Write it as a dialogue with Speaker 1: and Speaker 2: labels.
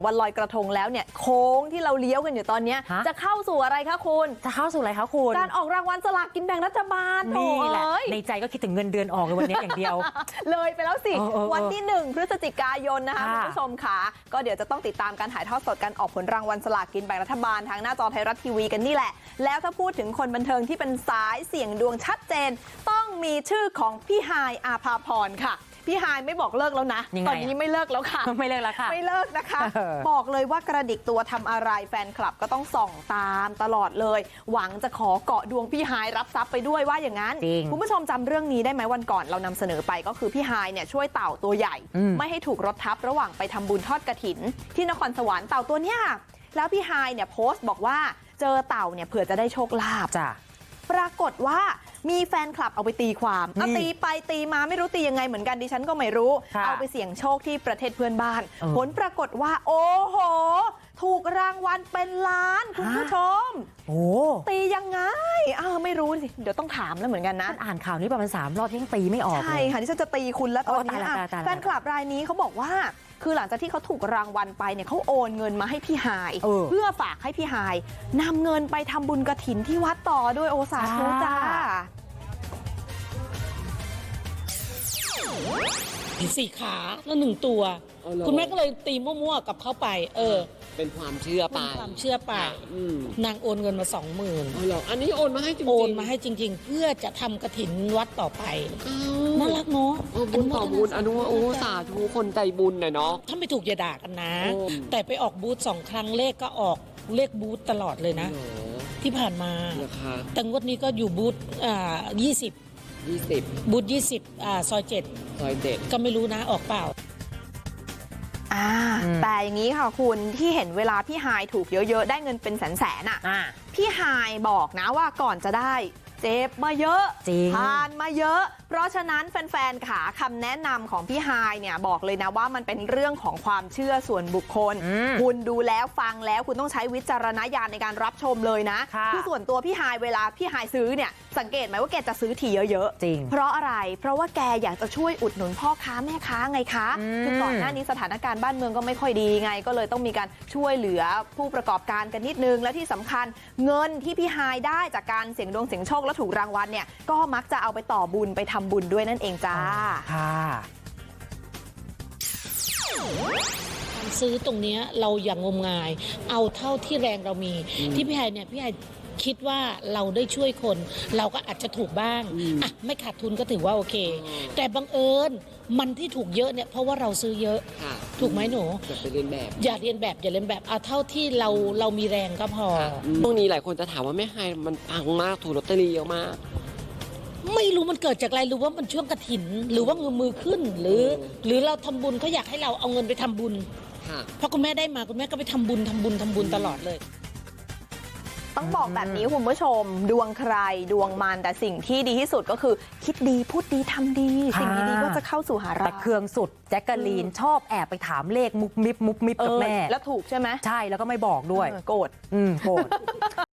Speaker 1: วันลอยกระทงแล้วเนี่ยโค้งที่เราเลี้ยวกันอยู่ตอนนี้จะเข้าสู่อะไรคะคุณ
Speaker 2: จะเข้าสู่อะไรคะคุณ
Speaker 1: การออกรางวัลสลากกินแบ่งรัฐบาล
Speaker 2: นี่แหละในใจก็คิดถึงเงินเดือนออกเลยวันนี้อย่างเดียว
Speaker 1: เลยไปแล้วสิวันที่1 พฤศจิกายนนะคะคุณผู้ชมค่ะก็เดี๋ยวจะต้องติดตามการถ่ายทอดสดการออกผลรางวัลสลากกินแบ่งรัฐบาลทางหน้าจอไทยรัฐทีวีกันนี่แหละแล้วถ้าพูดถึงคนบันเทิงที่เป็นสายเสี่ยงดวงชัดเจนต้องมีชื่อของพี่ฮายอาภาพรค่ะพี่ฮายไม่บอกเลิกแล้วนะตอนนี้ไม่เลิกแล้วค่ะ
Speaker 2: ไม่เลิกแล้วค่ะ
Speaker 1: ไม่เลิกนะคะบอกเลยว่ากระดิกตัวทำอะไรแฟนคลับก็ต้องส่องตามตลอดเลยหวังจะขอเกาะดวงพี่ฮายรับทรัพย์ไปด้วยว่าอย่างนั้นคุณผู้ชมจำเรื่องนี้ได้ไหมวันก่อนเรานำเสนอไปก็คือพี่ฮายเนี่ยช่วยเต่าตัวใหญ่ไม่ให้ถูกรถทับระหว่างไปทำบุญทอดกฐินที่นครสวรรค์เต่าตัวเนี้ยแล้วพี่ฮายเนี่ยโพสต์บอกว่าเจอเต่าเนี่ยเผื่อจะได้โชคลาภจ้ะปรากฏว่ามีแฟนคลับเอาไปตีความตีไปตีมาไม่รู้ตียังไงเหมือนกันดิฉันก็ไม่รู้เอาไปเสี่ยงโชคที่ประเทศเพื่อนบ้านผลปรากฏว่าโอ้โหถูกรางวัลเป็นล้านคุณผู้ชมตียังไงไม่รู้สิเดี๋ยวต้องถามแล้วเหมือนกันนะ
Speaker 2: อ่านข่าวนี้ประมาณ3 รอบยังตีไม่ออก
Speaker 1: ใช่ค่ะที่ฉันจะตีคุณแล้วตอนนี้แฟนคลับรายนี้เขาบอกว่าคือหลังจากที่เขาถูกรางวัลไปเนี่ยเขาโอนเงินมาให้พี่ฮายเพื่อฝากให้พี่ฮายนำเงินไปทำบุญกฐินที่วัดต่อด้วยโอสาธุจ้า
Speaker 3: 4 ขาแล้ว1 ตัวคุณแม่ก็เลยตีมั่วๆกับเขาไป
Speaker 4: เป็นความเชื่อไป
Speaker 3: ความเชื่อไปนางโอนเงินมา 20,000
Speaker 4: เหรออันนี้โอนมาให้จริงๆ
Speaker 3: โอนมาให้จริงๆเพื่อจะทำกฐินวัดต่อไปน่ารักเนาะ
Speaker 4: บุญต่อบุญอนุสาธุคนใจบุญเนาะ
Speaker 3: ถ้าไม่ถูกอย่าด่ากันนะแต่ไปออกบูธ2 ครั้งเลขก็ออกเลขบูธตลอดเลยนะที่ผ่านมาแต่งวดนี้ก็อยู่บูธ20บูธ20ซอย7ก็ไม่รู้นะออกเปล่า
Speaker 1: แต่อย่างนี้ค่ะคุณที่เห็นเวลาพี่ฮายถูกเยอะๆได้เงินเป็นแสนพี่ฮายบอกนะว่าก่อนจะได้เจ็บมาเยอะผ่านมาเยอะเพราะฉะนั้นแฟนๆขาคำแนะนำของพี่ฮายเนี่ยบอกเลยนะว่ามันเป็นเรื่องของความเชื่อส่วนบุคคลคุณดูแล้วฟังแล้วคุณต้องใช้วิจารณญาณในการรับชมเลยนะคือส่วนตัวพี่ฮายเวลาพี่ฮายซื้อเนี่ยสังเกตไหมว่าแกจะซื้อทีเยอะ
Speaker 2: ๆจริง
Speaker 1: เพราะอะไรเพราะว่าแกอยากจะช่วยอุดหนุนพ่อค้าแม่ค้าไงคะคือก่อนหน้านี้สถานการณ์บ้านเมืองก็ไม่ค่อยดีไงก็เลยต้องมีการช่วยเหลือผู้ประกอบการกันนิดนึงและที่สำคัญเงินที่พี่ฮายได้จากการเสี่ยงดวงเสี่ยงโชคและถูกรางวัลเนี่ยก็มักจะเอาไปต่อบุญไปทำบุญด้วยนั่นเองจ้า
Speaker 3: การซื้อตรงนี้เราอย่างงมงายเอาเท่าที่แรงเรามีที่พี่ไฮเนี่ยพี่ไฮคิดว่าเราได้ช่วยคนเราก็อาจจะถูกบ้างไม่ขาดทุนก็ถือว่าโอเคแต่บังเอิญมันที่ถูกเยอะเนี่ยเพราะว่าเราซื้อเยอะถูกไหมหนู
Speaker 4: อย่าไปเรียนแบบ
Speaker 3: อย่าเรียนแบบเอาเท่าที่เรามีแรงก็พอ
Speaker 4: ช่วงนี้หลายคนจะถามว่าแม่ไฮมันปังมากถูกลอตเตอรี่เยอะมาก
Speaker 3: ไม่รู้มันเกิดจากอะไรหรือว่ามันช่วงกฐินหรือว่าเงินมือขึ้นหรือเราทำบุญเขาอยากให้เราเอาเงินไปทำบุญเพราะคุณแม่ได้มาคุณแม่ก็ไปทำบุญตลอดเลย
Speaker 1: ต้องบอกแบบนี้คุณผู้ชมดวงใครดวงมันแต่สิ่งที่ดีที่สุดก็คือคิดดีพูดดีทำดีสิ่งดีๆก็จะเข้าสู่หาเรา
Speaker 2: แต่เครื่องสุดแจ็คกะลีนชอบแอบไปถามเลขมุบมิบกับแม่
Speaker 1: แล้วถูกใช่ไหม
Speaker 2: ใช่แล้วก็ไม่บอกด้วย
Speaker 1: โกรธ